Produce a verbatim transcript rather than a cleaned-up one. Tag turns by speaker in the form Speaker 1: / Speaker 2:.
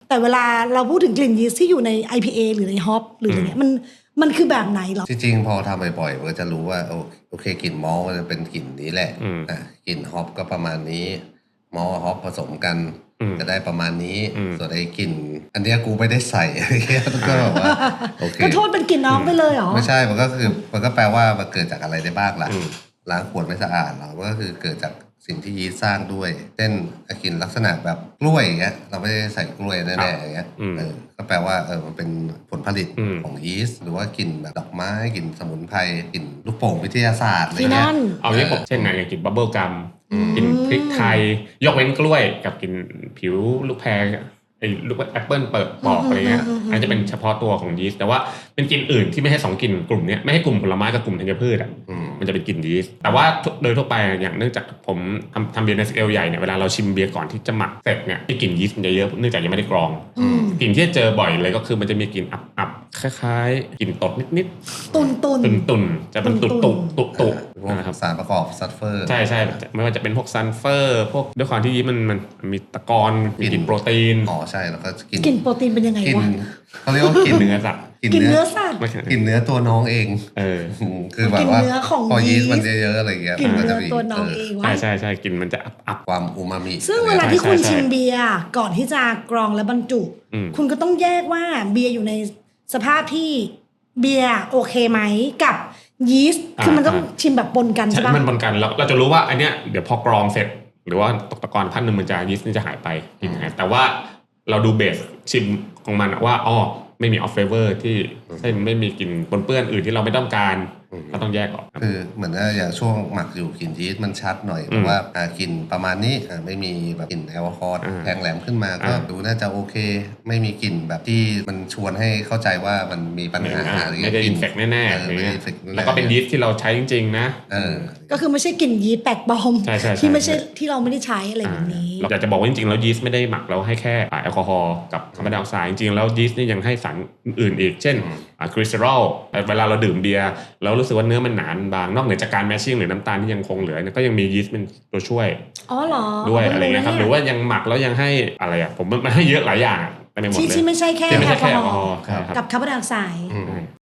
Speaker 1: แต่เวลาเราพูดถึงกลิ่นยีสต์ที่อยู่ใน ไอ พี เอ หรือในฮอปหรืออะไรเงี้ยมันมันคือแบบไหนหรอ
Speaker 2: จริงๆพอทำบ่อยๆมันก็จะรู้ว่าโอเคกลิ่นมอลมันจะเป็นกลิ่นนี้แหละอ่ะกลิ่นฮอปก็ประมาณนี้มอลฮอปผสมกันจะได้ประมาณนี้ส่วนไอ้กลิ่นอันเนี้ยกูไม่ได้ใส่อะไรเงี้ยก็แบบว่าโอเค
Speaker 1: ก็โทษเป็นกลิ่นน้องไปเลยเหรอ
Speaker 2: ไม่ใช่มันก็คือมันก็แปลว่ามันเกิดจากอะไรได้บ้างล่ะล้างขวดไม่สะอาดหรอมันก็คือเกิดจากสิ่งที่ยีสต์สร้างด้วยเช่นกลิ่นลักษณะแบบกล้วยอย่างเงี้ยเราไม่ได้ใส่กล้วยแน่ๆอย่างเงี้ยเออก็แปลว่าเออมันเป็นผลผลิตของยีสต์หรือว่ากลิ่นแบบดอกไม้กลิ่นสมุนไพรกลิ่นลูกโป่งวิทยาศาสตร์อะไรเงี้ย
Speaker 3: เอางี้ผมเช่นไงอย่างกลิ่นบับเบิลกัมกลิ่นพริกไทยยกเว้นกล้วยกับกลิ่นผิวลูกแพรไอ้ลูกแอปเปิลเปิดปอกอะไรเงี้ยอันนี้จะเป็นเฉพาะตัวของยีสต์แต่ว่าเป็นกลิ่นอื่นที่ไม่ใช่สองกลิ่นกลุ่มนี้ไม่ให้กลุ่มผลไม้กับกลุ่มธัญพืชอ่ะมันจะเป็นกลิ่นยีสต์แต่ว่าโดยทั่วไปอย่างเนื่องจากผมทำทำเบียร์ในสเกลใหญ่เนี่ยเวลาเราชิมเบียร์ก่อนที่จะหมักเสร็จเนี่ยกลิ่นยีสต์มันจะเยอะเนื่องจากยังไม่ได้กรองกลิ่นที่เจอบ่อยเลยก็คือมันจะมีกลิ่นอับๆคล้ายๆกลิ่นตดนิด
Speaker 1: ๆตุ่นๆ
Speaker 3: ตุ่นๆจะเป็นตุ่ๆตุ่ๆ
Speaker 2: นะครับสารประกอบซัลเฟอร์
Speaker 3: ใช่ๆไม่ว่าจะเป็นพวกซัลเฟอร์พวกด้วยความที่ยีสต์มันมันมีตะกอนมีกลิ่นโปรตีน
Speaker 2: อ๋อใช่แล้วก็
Speaker 1: กลิ่นโปรตีนเป็นยังไงวะ
Speaker 2: เขาเรียกว่ากลิ่น
Speaker 3: เนื้อสัตว์
Speaker 1: กลิ่นเนื้อสัตว์
Speaker 2: กลิ่นเนื้อตัวน้องเอง
Speaker 3: เออ
Speaker 2: คือแบบว่าพอยีสต์มันเยอะๆอะไรเงี้ย
Speaker 1: มันจะมีตัวน้องเอง
Speaker 3: ใช่ใช่ใช่กลิ่นมันจะอับ
Speaker 2: ความอูมามิ
Speaker 1: ซึ่งเวลาที่คุณชิมเบียร์ก่อนที่จะกรองและบรรจุคุณก็ต้องแยกว่าเบียร์อยู่ในสภาพที่เบียร์โอเคไหมกับยีสต์คือมันต้องชิมแบบปนกันใช่ป่ะ
Speaker 3: มันปนกันแล้วเราจะรู้ว่าอันเนี้ยเดี๋ยวพอกรองเสร็จหรือว่าตกตะกอนพันหนึ่งมันจะยีสต์นี่จะหายไปกลิ่นหายแต่ว่าเราดูเบสชิมของมันว่าอ๋อไม่มีออฟเฟเวอร์ที่เช่นไม่มีกลิ่นปนเปื้อนอื่นที่เราไม่ต้องการก็ต้องแยกออก
Speaker 2: คือเหมือนอย่างช่วงหมักอยู่กลิ่นยีสต์มันชัดหน่อยแต่ว่ากลิ่นประมาณนี้ไม่มีแบบกลิ่นแอลกอฮอล์แทงแหลมขึ้นมาก็ดูน่าจะโอเคไม่มีกลิ่นแบบที่มันชวนให้เข้าใจว่ามันมีปัญหาอะไรเงี้
Speaker 3: ยไม่ได้อินเฟคแน่ๆแล้วก็เป็นยีสต์ที่เราใช้จริงๆนะ
Speaker 1: ก็คือไม่ใช่กลิ่นยีสต์แปลกปลอมที่ไม่ใช่ที่เราไม่ได้ใช้อะไรแบบนี้
Speaker 3: เราอยากจะบอกว่าจริงๆแล้วยีสต์ไม่ได้หมักแล้วให้แค่แอลกอฮอล์กับคาร์บอนไดออกไซด์จริงๆแล้วยีสต์นี่ยังให้สารอื่นอีกเช่นคริสเตอรอลเวลาเราดื่มเบียร์แล้วรู้สึกว่าเนื้อมันหนาบางนอกเหนือจากการแมชชิ่งหรือน้ำตาลที่ยังคงเหลือก็ยังมียีสต์เป็นตัวช่วย
Speaker 1: อ๋อเหรอ
Speaker 3: ด้วยอะไรเงี้ยครับหรือว่ายังหมักแล้วยังให้อะไรอ่ะผมมันให้เยอะหลายอย่าง
Speaker 1: ที่ที่ไม่ใช่แค่แอลกอฮอล์กับคาร์บอนไดออกไซด์